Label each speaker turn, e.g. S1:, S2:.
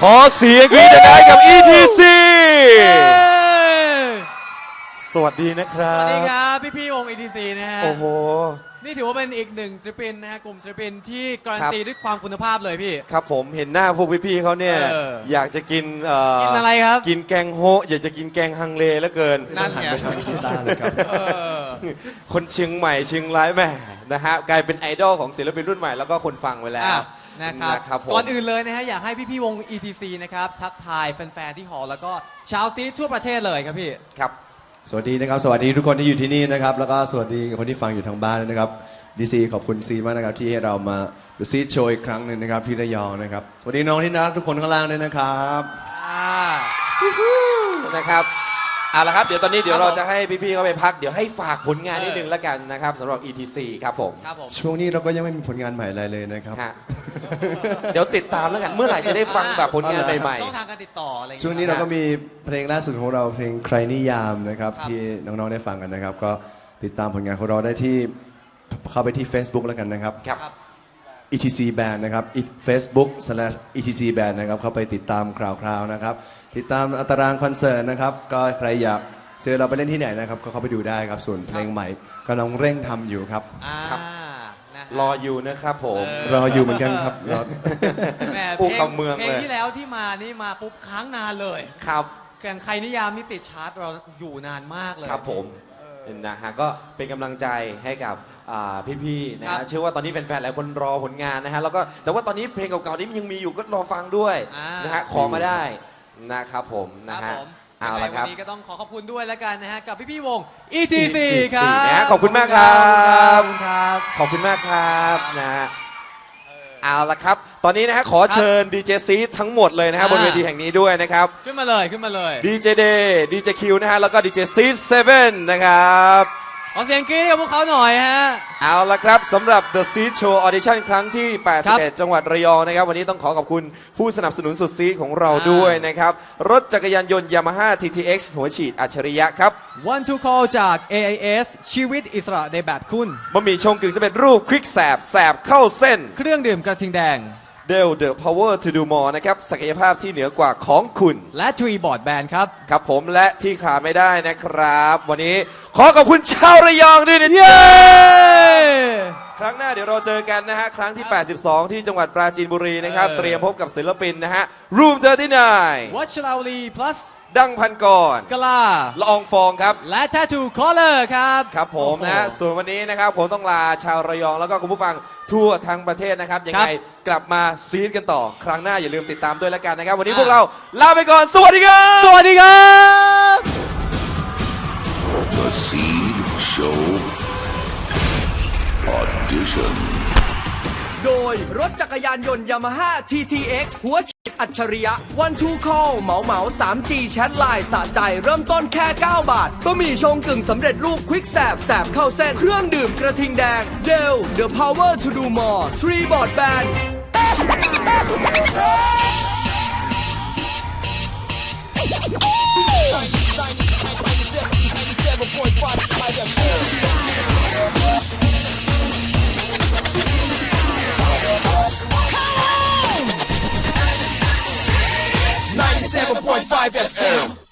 S1: ขอเสียงกรี๊ดดังๆกับ ETC สวัสดีนะครั
S2: สวัสดี
S1: บ
S2: ครับพี่วง ETC นะฮะ
S1: โอ้โห
S2: นี่ถือว่าเป็นอีกหนึ่งศิลปินนะฮะกลุ่มศิลปินที่การันตีด้วยความคุณภาพเลยพี่
S1: ครับผมเห็นหน้าพวกพี่ๆเขาเนี่ย อยากจะกิน
S2: กินอะไรครับ
S1: กินแกงโฮะอยากจะกินแกงฮังเลแล้วเกิน
S2: นั่นไง
S1: คนเชียงใหม่เชียงรายแหม่นะฮะกลายเป็นไอดอลของศิลปินรุ่นใหม่แล้วก็คนฟังไปแล้ว
S2: นะครับ
S1: ผม
S2: ก่อนอื่นเลยนะฮะอยากให้พี่วง ETC นะครับทักทายแฟนๆที่หอแล้วก็ชาวซีทั่วประเทศเลยครับพี่
S1: ครับ
S3: สวัสดีนะครับสวัสดีทุกคนที่อยู่ที่นี่นะครับแล้วก็สวัสดีคนที่ฟังอยู่ทางบ้านนะครับดีซีขอบคุณซีมากนะครับที่ให้เรามาดูซีโชว์อีกครั้งหนึ่งนะครับที่ระยองนะครับสวัสดีน้องที่น่ารักทุกคนข้างล่างด้วยนะครับ
S1: นะครับเอาละครับเดี๋ยวตอนนี้เดี๋ยว
S2: ครับ
S1: เรา
S2: ผม
S1: จะให้พี่ๆเขาไปพักเดี๋ยวให้ฝากผลงานนิดนึงแล้วกันนะครับสำหรับ ETC ครับผม
S2: ครับผม
S3: ช่วงนี้เราก็ยังไม่มีผลงานใหม่อะไรเลยนะครับ
S1: ฮะ เดี๋ยวติดตามแล้วกันเมื่อไหร่จะได้ฟังแบบผลงานใหม่
S2: ช่องทางการติดต่ออะไรอย่าง
S3: ช่วง
S2: เงี้ย
S3: นี้เราก็มีเพลงล่าสุดของเราเพลงใครนิยามนะครับ
S2: ครับ
S3: ที่น้องๆได้ฟังกันนะครับ ก็ติดตามผลงานของเราได้ที่เข้าไปที่ Facebook แล้วกันนะครับ
S1: ๆครับ
S3: ETC Band นะครับ Facebook/ETC Band นะครับเข้าไปติดตามคราวๆนะครับติดตามตารางคอนเสิร์ตนะครับก็ใครอยากเจอเราไปเล่นที่ไหนนะครับก็เข้าไปดูได้ครับส่วนเพลงใหม่กำลังเร่งทำอยู่ครับ
S1: ครับ
S2: นะฮะ
S1: รออยู่นะครับผม
S3: รออยู่เหมือนกันครับรอ
S2: แหม
S1: ผู้
S2: เพลง
S1: คำเมือง
S2: เพล
S1: เล
S2: ง
S1: ย
S2: ที่แล้วที่มานี่มาปุ๊บค้างนานเลย
S1: ครับ
S2: แข่งใครนิยามนี่ติดชาร์ตเราอยู่นานมากเลย
S1: ครับผมนะฮะก็เป็นกำลังใจให้กับพี่ๆนะ
S2: ครั
S1: ฮะ
S2: บ
S1: เชื่อว่าตอนนี้แฟนๆหลายคนรอผลงานนะฮะแล้วก็แต่ว่าตอนนี้เพลงเก่าๆนี้ยังมีอยู่ก็รอฟังด้วย
S2: อ่าน
S1: นะฮะขอมาได้นะครับผม
S2: ค
S1: นะ
S2: รับ
S1: ฮะ
S2: ผม
S1: เอา
S2: ยังไง
S1: ละค
S2: วั
S1: รับ
S2: นนี้ก็ต้องขอขอบคุณด้วยแล้วกันนะฮะกับพี่วง ETC ครับ
S1: นะฮะขอบคุณมากครั
S2: ข
S1: บ
S2: อบคุณครับ
S1: ขอบคุณมากครับนะฮะเอาละครับ ตอนนี้นะฮะขอเชิญดีเจซีทั้งหมดเลยนะฮะบนเวทีแห่งนี้ด้วยนะครับ
S2: ขึ้นมาเลยขึ้นมาเลย
S1: ดีเจเดย์ดีเจคิวนะฮะแล้วก็ดีเจซี7นะครับ
S2: ขอเสียงกรี๊ดกับพวกเขาหน่อยฮะ
S1: เอาละครับสำหรับ The Seed Show Audition ครั้งที่
S2: ครับ
S1: 81 จังหวัดระยองนะครับ วันนี้ต้องขอขอบคุณผู้สนับสนุนสุดซีดของเราด้วยนะครับ รถจักรยานยนต์ Yamaha TTX หัวฉีดอัจฉริยะครับ
S2: One to call จาก AIS ชีวิตอิสระในแบบคุณ
S1: บะหมี่ชงกึ่งสำเร็จรูปควิกแสบแสบเข้าเส้น
S2: เครื่องดื่มกระทิงแดง
S1: Dell The Power to Do More นะครับ ศักยภาพที่เหนือกว่าของคุณ
S2: และ Tree Board Band ครับ
S1: ครับผมและที่ขาดไม่ได้นะครับ วันนี้ขอขอบคุณชาวระยองด้วยนะ
S2: เย้
S1: ครั้งหน้าเดี๋ยวเราเจอกันนะฮะ ครั้งที่ 82 ที่จังหวัดปราจีนบุรีนะครับ เตรียมพบกับศิลปินนะฮะ Room 39
S2: วัชราวลี plus
S1: ดังพันกร
S2: กลา
S1: ละอองฟองครับ
S2: และ Tattoo Color ครับ
S1: ครับผมนะฮะ
S2: โอ้โห
S1: ส่วนวันนี้นะครับผมต้องลาชาวระยองแล้วก็คุณผู้ฟังทั่วทั้งประเทศนะครับ ยังไงกลับมาซีดกันต่อ ครั้งหน้าอย่าลืมติดตามด้วยแล้วกันนะครับ วันนี้พวกเราลาไปก่อน สวัสดีครับ
S2: สวัสดีครับ
S4: The Seed Show Audition.
S5: โดยรถจักรยานยนต์ Yamaha TTX หัวฉีดอัจฉริยะ One to Call เหมา 3G แชทไลน์สะใจเริ่มต้นแค่ 9 บาทบะหมี่ชงกึ่งสำเร็จรูปควิกแสบเข้าเส้น เครื่องดื่มกระทิงแดง Dell The Power to Do More Tree Board Band
S4: .5 FM